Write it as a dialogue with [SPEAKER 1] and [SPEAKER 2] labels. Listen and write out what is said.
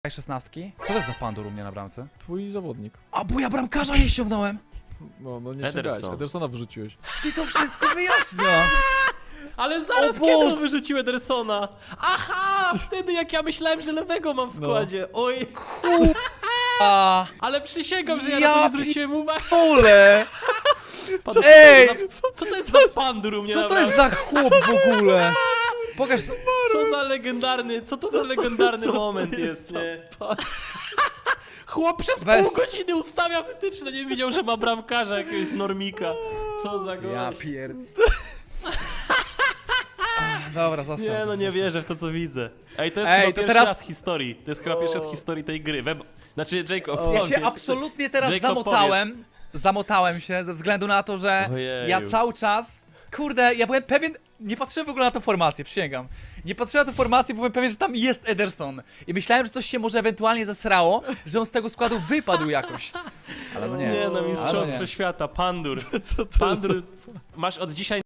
[SPEAKER 1] 16. Co to jest za pandur u mnie na bramce?
[SPEAKER 2] Twój zawodnik.
[SPEAKER 1] A bo ja bramkarza nie ściągnąłem!
[SPEAKER 2] No nie ściągałeś, Edersona wyrzuciłeś.
[SPEAKER 1] I to wszystko wyjaśnia!
[SPEAKER 3] Ale zaraz
[SPEAKER 1] O
[SPEAKER 3] kiedy
[SPEAKER 1] Boże!
[SPEAKER 3] wyrzucił Edersona? Aha! Wtedy jak ja myślałem, że lewego mam w składzie. Oj,
[SPEAKER 1] A
[SPEAKER 3] ale przysięgam, że ja
[SPEAKER 1] Ja
[SPEAKER 3] na to nie zwróciłem uwagi.
[SPEAKER 1] ole!
[SPEAKER 3] Pan-
[SPEAKER 1] Ej!
[SPEAKER 3] Co to jest za pandur u mnie
[SPEAKER 1] Co
[SPEAKER 3] na
[SPEAKER 1] to jest
[SPEAKER 3] bramce?
[SPEAKER 1] za chłop w ogóle? Pokaż...
[SPEAKER 3] Co za legendarny, co to za legendarny moment jest, nie? Chłop przez
[SPEAKER 1] Weź.
[SPEAKER 3] pół godziny ustawia wytyczne, nie widział, że ma bramkarza jakiegoś normika. Co za gość.
[SPEAKER 1] Ja pier... Dobra, zostaw.
[SPEAKER 3] Nie no, nie
[SPEAKER 1] zostaw.
[SPEAKER 3] wierzę w to, co widzę. Ej, to jest
[SPEAKER 1] Ej,
[SPEAKER 3] chyba
[SPEAKER 1] to
[SPEAKER 3] pierwszy
[SPEAKER 1] teraz-
[SPEAKER 3] raz w historii. To jest chyba pierwszy raz w historii tej gry. Znaczy, Jacob,
[SPEAKER 1] Ja
[SPEAKER 3] powiedz.
[SPEAKER 1] się absolutnie teraz
[SPEAKER 3] Jacob,
[SPEAKER 1] zamotałem się ze względu na to, że
[SPEAKER 3] Ojeju.
[SPEAKER 1] ja cały czas, kurde, ja byłem pewien, nie patrzyłem w ogóle na tę formację, przysięgam. Nie patrzyłem na tę formację, bo byłem pewien, że tam jest Ederson. I myślałem, że coś się może ewentualnie zesrało, że on z tego składu wypadł jakoś. Ale no nie.
[SPEAKER 3] Nie no,
[SPEAKER 1] Ale
[SPEAKER 3] mistrzostwo
[SPEAKER 1] nie.
[SPEAKER 3] świata, pandur.
[SPEAKER 2] Co to
[SPEAKER 3] Pandur, masz od dzisiaj